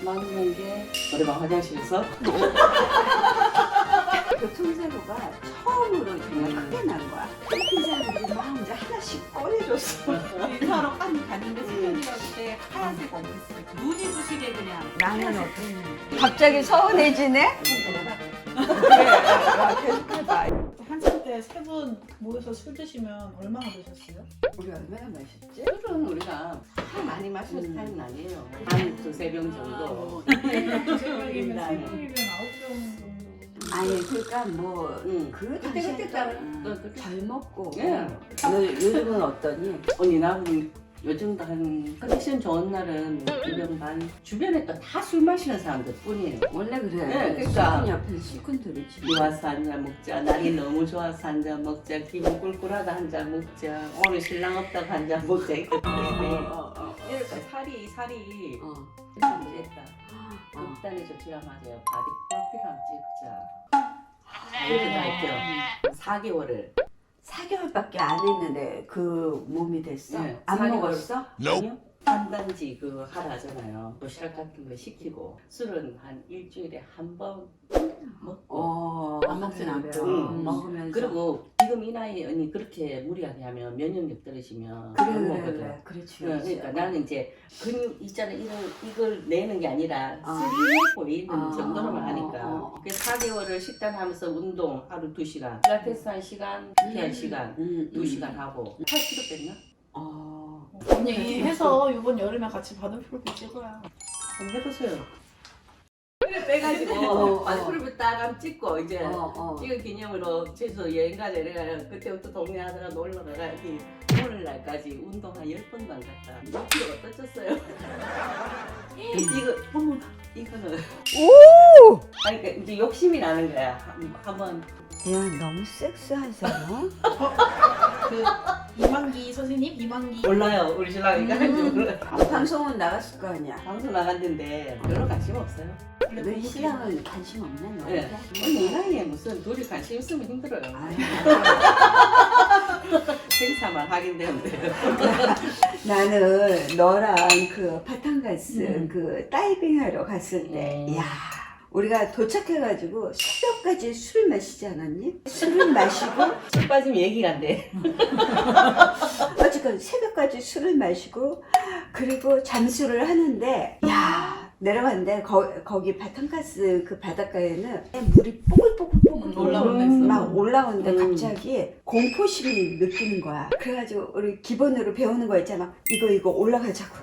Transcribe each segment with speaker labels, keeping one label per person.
Speaker 1: 맞는 게 노래방 화장실에서
Speaker 2: 교통사고가 처음으로 정말 크게 난 거야. 필리핀 사람들이 막 이제 하나씩 꺼내줬어.
Speaker 3: 인사하러 갔는데 수면이가 그때 하얀색 옷을 눈이 부시게 그냥.
Speaker 2: 나는 어땠는지. 갑자기 서운해지네? 계속 해봐.
Speaker 3: 한참 때 세 분 모여서 술 드시면 얼마나 드셨어요?
Speaker 2: 우리 얼마나 마셨지?
Speaker 1: 술은 우리가 다 많이 마시는 스타일은 아니에요. 한 두세 병 정도.
Speaker 3: 두세 명이면 세 명이면 9병 정도.
Speaker 2: 아니 그러니까 뭐 그
Speaker 1: 그때 따라
Speaker 2: 잘 먹고.
Speaker 1: 예.
Speaker 2: 너 요즘은 어떠니?
Speaker 1: 언니 나는 요즘도 한 컨디션 좋은 날은 2병 반. 주변에 또 다 술 마시는 사람들 뿐이에요.
Speaker 2: 원래 그래.
Speaker 1: 네, 그러니까.
Speaker 2: 술꾼 옆에서 술꾼들이지.
Speaker 1: 비 와서 한 잔 먹자. 날이 너무 좋아서 한 잔 먹자. 기분 꿀꿀하다 한 잔 먹자. 오늘 신랑 없다고 한 잔 먹자. 이렇게 이렇게 살이 참 됐다. 극단의 조치라 맞아요. 바디 프로필 한번 찍자. 이렇게 다 했죠. 4개월을.
Speaker 2: 4개월밖에 안 했는데 그 몸이 됐어?
Speaker 1: 네,
Speaker 2: 안
Speaker 1: 4개월.
Speaker 2: 먹었어?
Speaker 1: 아니요. 한단지 그 하라 하잖아요. 도시락 같은 거 시키고 술은 한 일주일에 한 번 먹고
Speaker 2: 안 먹진 않고
Speaker 1: 응.
Speaker 2: 먹으면서.
Speaker 1: 그리고 지금 이 나이에 언니 그렇게 무리하게 하면 면역력 떨어지면 못 먹거든.
Speaker 2: 그래. 그렇지.
Speaker 1: 그러니까 나는 이제 근육 있잖아 이걸 내는 게 아니라
Speaker 2: 아.
Speaker 1: 스리에 보이는
Speaker 2: 아.
Speaker 1: 정도로만 하니까
Speaker 2: 어.
Speaker 1: 그래서 4개월을 식단하면서 운동 하루 2시간 필라테스 1시간 PT 1시간 2시간 하고 8kg 뺐나?
Speaker 3: 언니 해서 이번 여름에 같이 바둑 프로필 찍어요.
Speaker 1: 한번 해보세요. 그래 빼가지고 프로필 딱 한번 찍고 이제 찍은 기념으로 제주도 여행 가자 이래가 그때부터 동네 하다가 놀러 가가 여기 오늘날까지 운동 한 10번도 안 갔다. 6kg가 떠졌어요. 이거는 아니 그러니까 이제 욕심이 나는 거야. 한번
Speaker 2: 야 너무 섹스하잖아.
Speaker 3: 그 이만기 선생님? 이만기
Speaker 1: 몰라요 우리 신랑이 가지고
Speaker 2: 방송은 나갔을 거 아니야.
Speaker 1: 방송 나갔는데 별로 관심 없어요.
Speaker 2: 너 신랑은 관심 없나
Speaker 1: 네.
Speaker 2: 너한테?
Speaker 1: 언니 이 나이에 무슨 둘이 관심 있으면 힘들어요.
Speaker 2: 아유,
Speaker 1: 행사만 하긴 되는데.
Speaker 2: 나는 너랑 그 바탕가스 그 다이빙 하러 갔을 때 야 우리가 도착해가지고 새벽까지 술 마시지 않았니? 술을 마시고
Speaker 1: 술 빠지면 얘기가 안 돼.
Speaker 2: 어쨌건 새벽까지 술을 마시고 그리고 잠수를 하는데 야 내려갔는데 거기 바탕가스 그 바닷가에는 물이 뽀글뽀글뽀글
Speaker 3: 올라오네.
Speaker 2: 막 올라오는데 갑자기 공포심이 느끼는 거야. 그래가지고 우리 기본으로 배우는 거 있잖아. 이거 올라가자고.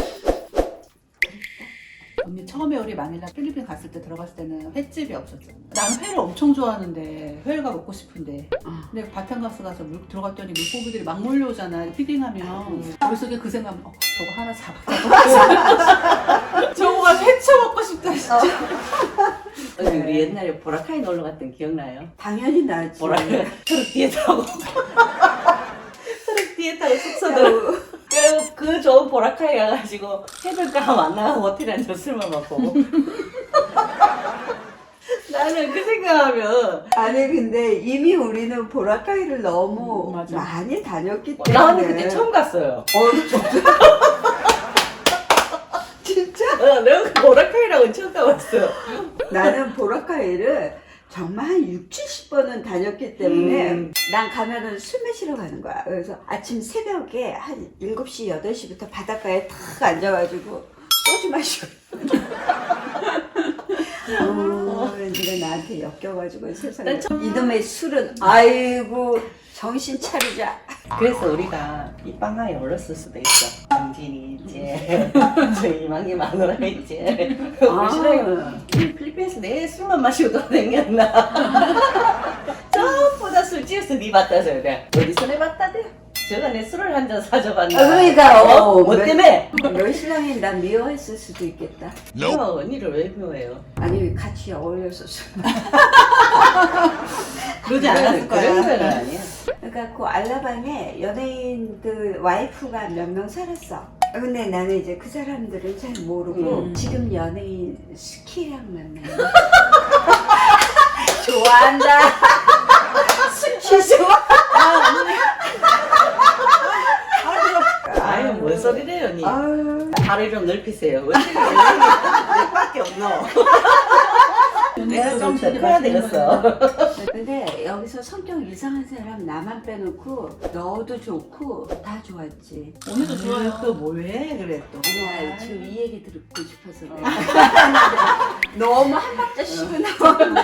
Speaker 3: 언니 처음에 우리 마닐라 필리핀 갔을 때 들어갔을 때는 횟집이 없었잖아. 난 회를 엄청 좋아하는데 회가 먹고 싶은데 근데 바탕가스 가서 들어갔더니 물고기들이 막 몰려오잖아. 피딩하면 머릿속에 그 생각 저거 하나 잡았다. 저거가 회쳐 먹고 싶다 진짜.
Speaker 1: 언니 우리 옛날에 보라카이 놀러 갔던 기억나요?
Speaker 2: 당연히 나지.
Speaker 1: 트럭 뒤에 타고 트럭 뒤에 타고 숙소 들어 그 좋은 보라카이 가가지고 해변가 만나고 호텔에 앉아 술만 먹고 나는 그 생각하면
Speaker 2: 아니 근데 이미 우리는 보라카이를 너무
Speaker 3: 맞아.
Speaker 2: 많이 다녔기 때문에
Speaker 1: 나 언니 그때 처음 갔어요.
Speaker 2: 진짜? 진짜?
Speaker 1: 내가 그 보라카이라고 처음 가봤어요.
Speaker 2: 나는 보라카이를 정말 한 6, 70번은 다녔기 때문에 난 가면은 술 마시러 가는 거야. 그래서 아침 새벽에 한 7시, 8시부터 바닷가에 탁 앉아가지고 소주 마시고 네가 나한테 엮여가지고 세상에 이놈의 술은 아이고 정신 차리자.
Speaker 1: 그래서 우리가 이 빵하에 올랐을 수도 있어. 정진이 이제 저 이만기 마누라 이제 우리 신랑이 필리핀에서 내 술만 마시고 돌아다녔나. 전부 술 찌어서 니 봤다 저래. 내가 어디서 내 봤다 대? 제가 내 술을 한 잔 사줘봤나.
Speaker 2: 그러니까
Speaker 1: 뭐 때문에?
Speaker 2: 너 신랑이 나 미워했을 수도 있겠다.
Speaker 1: 너 언니를 왜 미워해요?
Speaker 2: 아니 같이 어울려서 술.
Speaker 3: 그러지 않았을 거야.
Speaker 1: 그런 건 아니야.
Speaker 2: 그러니까 그 알라방에 연예인들 와이프가 몇 명 살았어. 근데 나는 이제 그 사람들을 잘 모르고 지금 연예인 스키랑 만나요. 좋아한다. 스키 좋아.
Speaker 1: 아유 뭔 소리래요 언니.
Speaker 2: 아유.
Speaker 1: 발을 좀 넓히세요. 어떻게 연예인이 없노. 내가 좀 더 커야 되겠어.
Speaker 2: 근데 여기서 성격 이상한 사람 나만 빼놓고 너도 좋고 다 좋았지.
Speaker 3: 언니도 좋아요. 또 뭐해? 그래 또.
Speaker 2: 아니야, 지금 이 얘기 듣고 싶어서 그래. 너무 한 박자 쉬고 나오면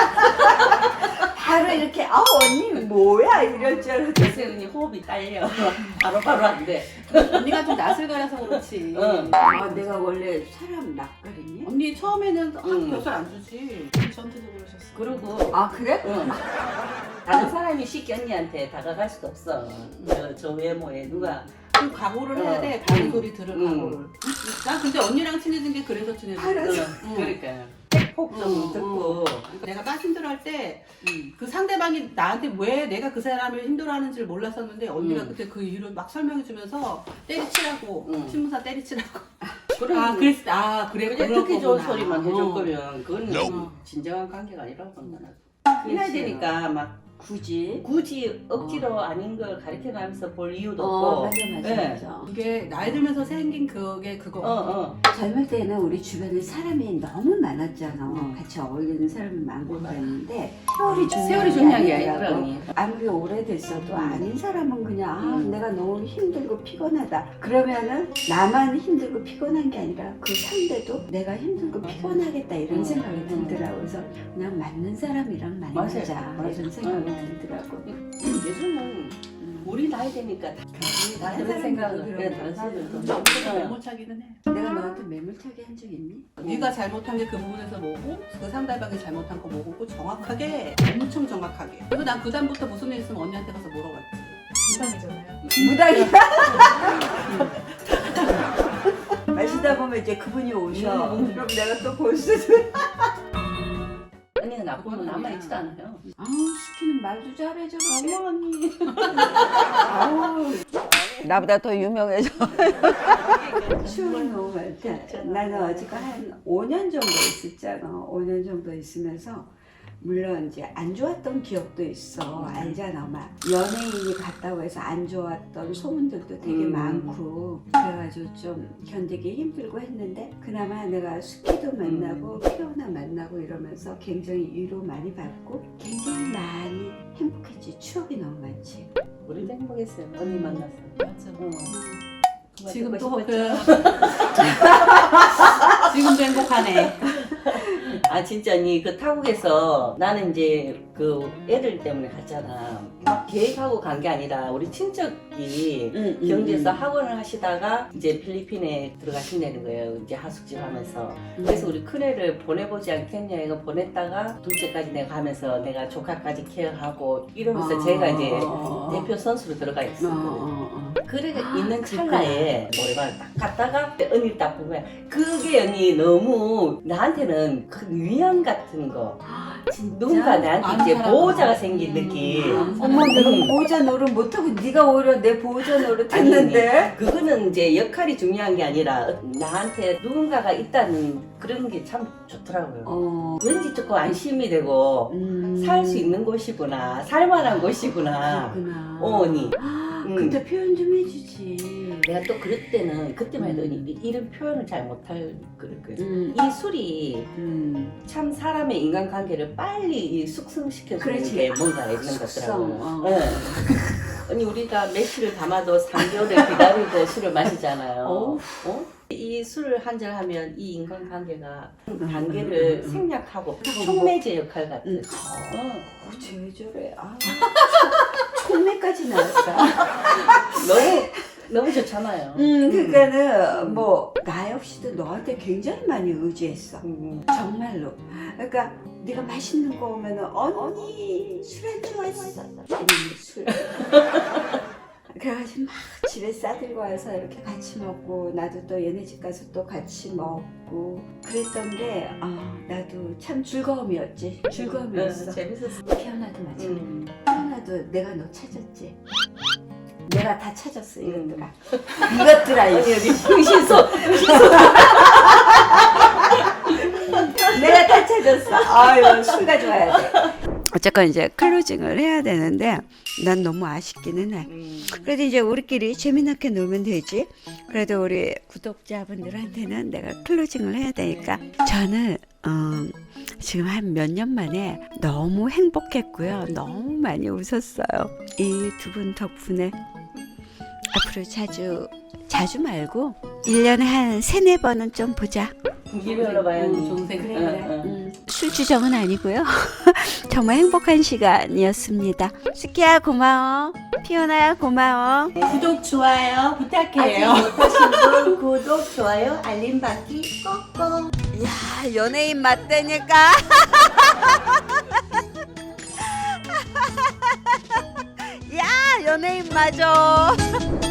Speaker 2: 바로 이렇게 언니 뭐야 이럴 줄 알았어.
Speaker 1: 글쎄 언니 호흡이 딸려. 바로바로 안 돼.
Speaker 3: 언니가 좀 낯을 가려서 그렇지.
Speaker 1: 응.
Speaker 2: 내가 원래 사람 낯가리니?
Speaker 3: 언니 처음에는
Speaker 1: 응.
Speaker 3: 별 안 주지. 저한테도 그러셨어.
Speaker 1: 그리고
Speaker 2: 그래?
Speaker 1: 응. 다른 사람이 쉽게 언니한테 다가갈 수도 없어. 저 외모에 누가
Speaker 3: 그 각오를 해야 돼. 다른 소리 들을 각오를. 난 근데 언니랑 친해진 게 그래서 친해졌어.
Speaker 1: 그러니까 폭 좀 듣고
Speaker 3: 내가 막 힘들어할 때 그 상대방이 나한테 왜 내가 그 사람을 힘들어하는지를 몰랐었는데 언니가 그때 그 이유를 막 설명해주면서 때리치라고 신문사 때리치라고. 그래
Speaker 1: 그냥
Speaker 3: 그런
Speaker 1: 듣기 좋은
Speaker 3: 거구나.
Speaker 1: 소리만 해줄 거면 그건 진정한 관계가 아니라고 본다. 해야 되니까 막 굳이 억지로 아닌 걸 가르쳐가면서 볼 이유도 없고.
Speaker 2: 맞아
Speaker 1: 네.
Speaker 2: 맞아.
Speaker 3: 이게 나이 들면서 생긴 그게 그거.
Speaker 2: 젊을 때는 우리 주변에 사람이 너무 많았잖아. 같이 어울리는 사람이 많고 그랬는데 세월이 중요한 게 아니더라고. 아무리 오래됐어도 아닌 사람은 그냥 내가 너무 힘들고 피곤하다. 그러면은 나만 힘들고 피곤한 게 아니라 그 상대도 내가 힘들고 피곤하겠다 이런 생각이 들더라고. 그래서 그냥 맞는 사람이랑 만나자
Speaker 1: 맞아요.
Speaker 2: 이런 생각이 들더라고.
Speaker 1: 요즘은 우리 나이 되니까 다 그런 생각을 해. 다른 사람들도
Speaker 3: 너보다 매몰차기는 해.
Speaker 2: 내가 너한테 매몰차게 한 적 있니?
Speaker 3: 네가 잘못한 게 그 부분에서 뭐고 그 상대방이 잘못한 거 뭐고 정확하게 엄청 정확하게. 그래서 난 그 다음부터 무슨 일 있으면 언니한테 가서 물어봤지. 무당이잖아요.
Speaker 2: 무당이야? 마시다 보면 이제 그분이 오셔. 그럼 내가 또 볼 수도.
Speaker 1: 언니는 나쁘면 남아있지도 않아요.
Speaker 2: 시키는 말도 잘해줘.
Speaker 1: 어머 언니.
Speaker 2: 나보다 더 유명해져. 추억이 너무 많다. 나는 어지가 한 5년 정도 있었잖아. 5년 정도 있으면서 물론 이제 안 좋았던 기억도 있어. 알잖아. 막 연예인이 갔다고 해서 안 좋았던 소문들도 되게 많고 그래가지고 좀 견디기 힘들고 했는데 그나마 내가 스키도 만나고 피오나 만나고 이러면서 굉장히 위로 많이 받고 굉장히 많이 행복했지. 추억이 너무 많지.
Speaker 1: 우리도 행복했어요. 언니 만나서.
Speaker 3: 맞아. 지금도
Speaker 1: 듣고
Speaker 3: 지금도 행복하네.
Speaker 1: 아 진짜 언니 그 타국에서 나는 이제 그 애들 때문에 갔잖아. 막 계획하고 간 게 아니라 우리 친척이 경주에서 학원을 하시다가 이제 필리핀에 들어가신다는 거예요. 이제 하숙집 하면서. 그래서 우리 큰애를 보내보지 않겠냐 이거 보냈다가 둘째까지 내가 가면서 내가 조카까지 케어하고 이러면서 제가 이제 대표 선수로 들어가 있었거든요. 그래 있는 찰나에 노래방을 딱 갔다가 언니 딱 보면 그게 언니 너무 나한테는 큰 위안 같은 거. 누군가 나한테 이제 보호자가 생긴 느낌.
Speaker 2: 어머 내가 보호자 노릇 못하고 네가 오히려 내 보호자 노릇 했는데.
Speaker 1: 그거는 이제 역할이 중요한 게 아니라 나한테 누군가가 있다는 그런 게 참 좋더라고요. 왠지 조금 안심이 되고 살 수 있는 곳이구나, 살만한 곳이구나.
Speaker 2: 그렇구나.
Speaker 1: 언니.
Speaker 2: 근데 표현 좀 해주지.
Speaker 1: 내가 또 그럴 때는 그때만 해도 이런 표현을 잘 못할 거예요. 이 술이 참 사람의 인간관계를 빨리 숙성시켜주는 게 뭔가 있는 것더라고요. 네. 아니 우리가 며칠을 담아도 3개월을 기다리고 술을 마시잖아요. 이 술을 한잔 하면 이 인간관계가 관계를 생략하고 촉매제 역할 같은.
Speaker 2: 왜 저래? 촉매까지 나왔어.
Speaker 1: 너무 좋잖아요.
Speaker 2: 그러니까는 뭐 나 역시도 너한테 굉장히 많이 의지했어. 정말로. 그러니까 네가 맛있는 거 오면은 언니 술 안 좋아했어. 언니 술. 그래가지고 막 집에 싸들고 와서 이렇게 같이 먹고 나도 또 얘네 집 가서 또 같이 먹고 그랬던 게 나도 참 즐거움이었지. 즐거움이었어.
Speaker 1: 재밌었어.
Speaker 2: 피어나도 마찬가지. 피어나도 내가 너 찾았지. 내가 다 찾았어 이것들아. 이것들아
Speaker 1: 아니 여기 흥신소.
Speaker 2: 내가 다 찾았어. 아유 술 가져와야 돼. 어쨌건 이제 클로징을 해야 되는데 난 너무 아쉽기는 해. 그래도 이제 우리끼리 재미나게 놀면 되지. 그래도 우리 구독자분들한테는 내가 클로징을 해야 되니까 저는 지금 한 몇 년 만에 너무 행복했고요. 너무 많이 웃었어요. 이 두 분 덕분에 앞으로 자주 말고 1년에 한 3-4번은 좀 보자.
Speaker 1: 기별로 봐야지.
Speaker 3: 동생.
Speaker 1: 그래.
Speaker 2: 술주정은 아니고요. 정말 행복한 시간이었습니다. 스키야 고마워. 피오나야 고마워.
Speaker 3: 구독, 좋아요 부탁해요.
Speaker 1: 아직 못하신 분 구독, 좋아요, 알림 받기 꼭꼭.
Speaker 2: 야, 연예인 맞다니까. 야, 연예인 맞아.